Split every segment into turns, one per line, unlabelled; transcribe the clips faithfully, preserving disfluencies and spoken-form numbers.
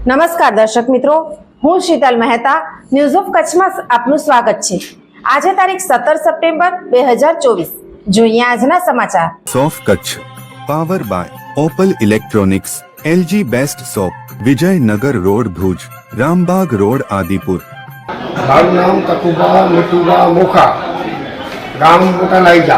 નમસ્કાર દર્શક મિત્રો, હું શીતલ મહેતા ન્યૂઝ ઓફ કચ્છમાં આપનું સ્વાગત છે। આજે તારીખ સત્તર સપ્ટેમ્બર બે હજાર ચોવીસ। જોઈએ આજના સમાચાર।
સોફ Kutch power by Opal electronics, LG best shop, Vijaynagar road Bhuj, Rambagh road Adipur.
મારું નામ તકુબા મીઠુબા મોખા, ગામ મોટા લાઈજા,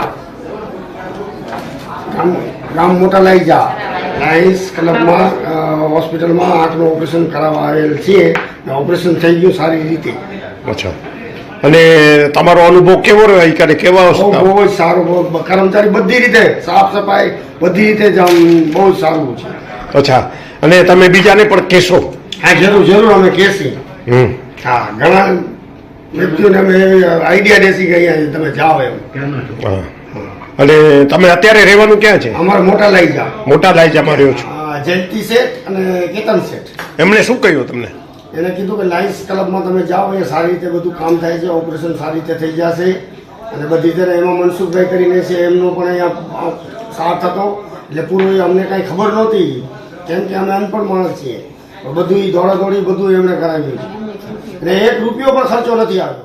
ગામ ગામ મોટા લાઈજા લાયન્સ ક્લબમાં હોસ્પિટલમાં આંખનું ઓપરેશન કરાવવા આવેલ છીએ। ઓપરેશન થઈ ગયું સારી રીતે।
અચ્છા, અને તમારો અનુભવ કેવો રહ્યો? ક્યારે કેવા
બહુ બહુ જ સારો, બહુ કર્મચારી બધી રીતે સાફ સફાઈ બધી રીતે જ આમ બહુ જ સારું છે।
અચ્છા, અને તમે બીજાને પણ કહેશો?
હા, જરૂર જરૂર અમે કહેશી।
હમ
હા, ઘણા વ્યક્તિઓને અમે આઈડિયા દેશી કે અહીંયા તમે જાઓ એમ।
હા, અને તમે અત્યારે રહેવાનું ક્યાં છે?
અમારે મોટા લાઈજા,
મોટા લાઈજામાં રહ્યો છો?
જયંતિ શેઠ અને કેતન શેઠ।
એમણે શું કહ્યું તમને?
એને કીધું કે લાયન્સ ક્લબમાં તમે જાઓ, એ સારી રીતે બધું કામ થાય છે, ઓપરેશન સારી રીતે થઈ જશે। અને બધી રીતે એમાં મનસુખભાઈ કરીને છે, એમનો પણ અહીંયા સાથ હતો, એટલે પૂરું અમને કાંઈ ખબર નહોતી, કેમ કે અમે અનપણ માણસ છીએ। બધું દોડાદોડી બધું એમણે કરાવ્યું છે, અને એક રૂપિયો પણ ખર્ચો નથી આવ્યો।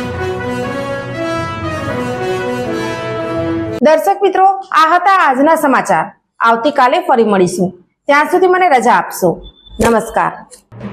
દર્શક મિત્રો, આ હતા આજના સમાચાર। આવતીકાલે ફરી મળીશું, ત્યાં સુધી મને રજા આપશો। નમસ્કાર।